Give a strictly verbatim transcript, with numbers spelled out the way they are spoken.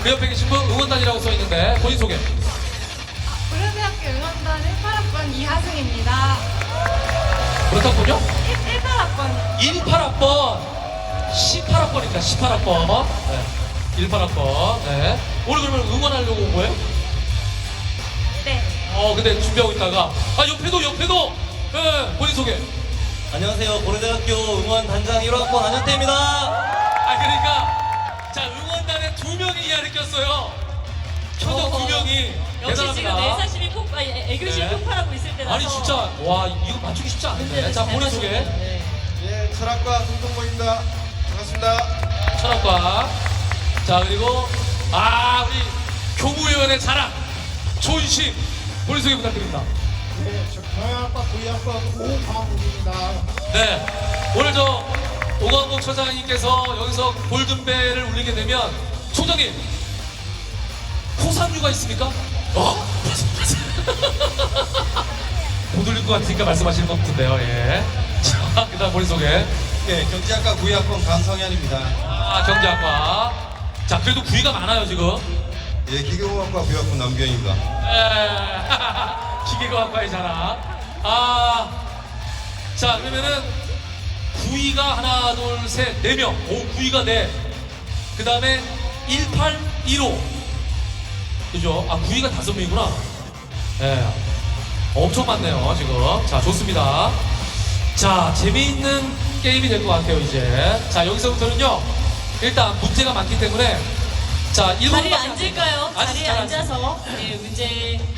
그 옆에 계신 분 응원단이라고 써 있는데 본인 소개. 고려대학교 응원단 십팔 학번 이하승입니다. 그렇다군요? 십팔 학번. 십팔 학번. 십팔 학번입니다. 십팔 학번. 네. 십팔 학번. 네. 오늘 그러면 응원하려고 온 거예요? 네. 어, 근데 준비하고 있다가. 아, 옆에도, 옆에도! 네, 본인 소개. 안녕하세요. 고려대학교 응원단장 일 학번 안현태입니다. 아, 그러니까. 자, 응원단에 두 명이 이하를 꼈어요. 표정 두 명이. 역시 지금 대단합니다. 내사심이 폭발, 애교심이 네. 폭발하고 있을 때라서 아니, 진짜. 와, 이거 맞추기 쉽지 않은데. 문제를 자, 잘 본인 소개. 맞추네요. 네. 예, 철학과 송동모입니다. 반갑습니다. 철학과. 자, 그리고, 아, 우리 교무위원의 자랑. 존심. 본인 소개 부탁드립니다. 예, 저 경영학과 부의학과 오광욱입니다. 네. 오늘 저 오광복 처장님께서 여기서 골든벨을 울리게 되면 총장님 포상류가 있습니까? 어? 못 울릴 것 같으니까 말씀하시는 것 같은데요. 예. 자, 그다음 본인 소개. 예, 경제학과 부의학번 강성현입니다. 아, 경제학과. 자, 그래도 구위가 많아요 지금. 예, 기계공학과 부의학번 남규현입니다. 예. 기계과학과의 자랑. 아, 자 그러면은 구위가 하나, 둘, 셋, 네 명. 오, 구위가 네. 그 다음에 일팔, 일오. 그죠? 아, 구위가 다섯 명이구나. 예. 엄청 많네요, 지금. 자, 좋습니다. 자, 재미있는 게임이 될 것 같아요, 이제. 자, 여기서부터는요, 일단 문제가 많기 때문에. 자, 일 번. 자리에 앉을까요? 자리에 앉아서 예, 문제